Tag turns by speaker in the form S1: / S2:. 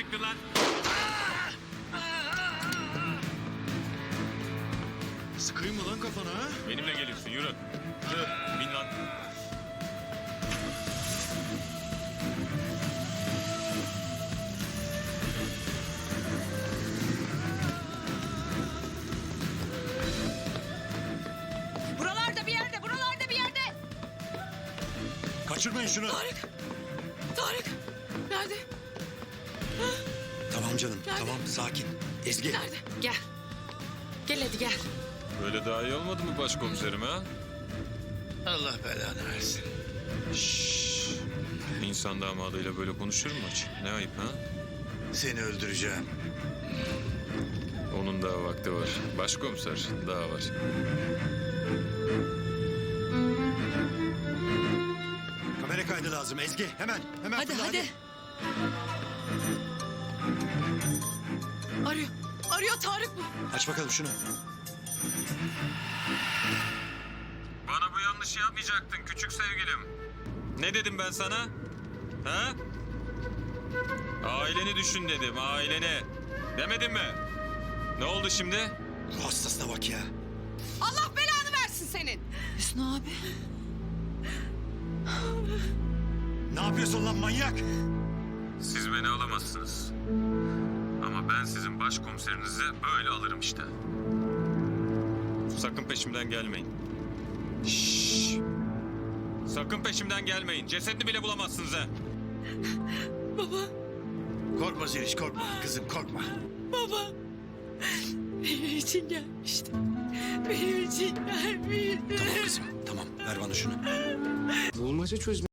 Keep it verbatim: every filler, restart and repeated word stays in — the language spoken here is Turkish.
S1: çıktın lan?
S2: Sıkayım mı lan kafana ha?
S1: Benimle geliyorsun, yürü. Yürü, bin lan.
S3: Buralarda bir yerde, buralarda bir yerde.
S2: Kaçırmayın şunu.
S3: Tarık. Tarık. Nerede?
S2: Tamam canım,
S3: Nerede?
S2: tamam sakin. Ezgi.
S3: Nerede? Gel. Gel hadi gel.
S1: Böyle daha iyi olmadı mı başkomiserim ha?
S4: Allah belanı versin.
S1: Şşş. İnsan damadıyla böyle konuşur mu hiç? Ne ayıp ha?
S4: Seni öldüreceğim.
S1: Onun daha vakti var. Başkomiser daha var.
S2: Kamera kaydı lazım Ezgi. Hemen, hemen.
S3: Hadi
S2: fırla,
S3: hadi. Arıyor. Arıyor Tarık bu.
S2: Aç bakalım şunu.
S1: Bana bu yanlışı yapmayacaktın küçük sevgilim. Ne dedim ben sana? Ha? Aileni düşün dedim, aileni. Demedim mi? Ne oldu şimdi?
S2: Bu hastasına bak ya.
S3: Allah belanı versin senin. Hüsnü abi.
S2: Ne yapıyorsun lan manyak?
S1: Siz beni alamazsınız. Ama ben sizin başkomiserinizi böyle alırım işte. Sakın peşimden gelmeyin. Şşş. Sakın peşimden gelmeyin. Cesedini bile bulamazsınız ha.
S3: Baba.
S4: Korkma Zeliş, korkma. Kızım korkma.
S3: Baba. Benim için gelmişti. Benim için gelmişti.
S2: Tamam kızım, tamam. Ver bana şunu.
S5: Bulmaca çözme.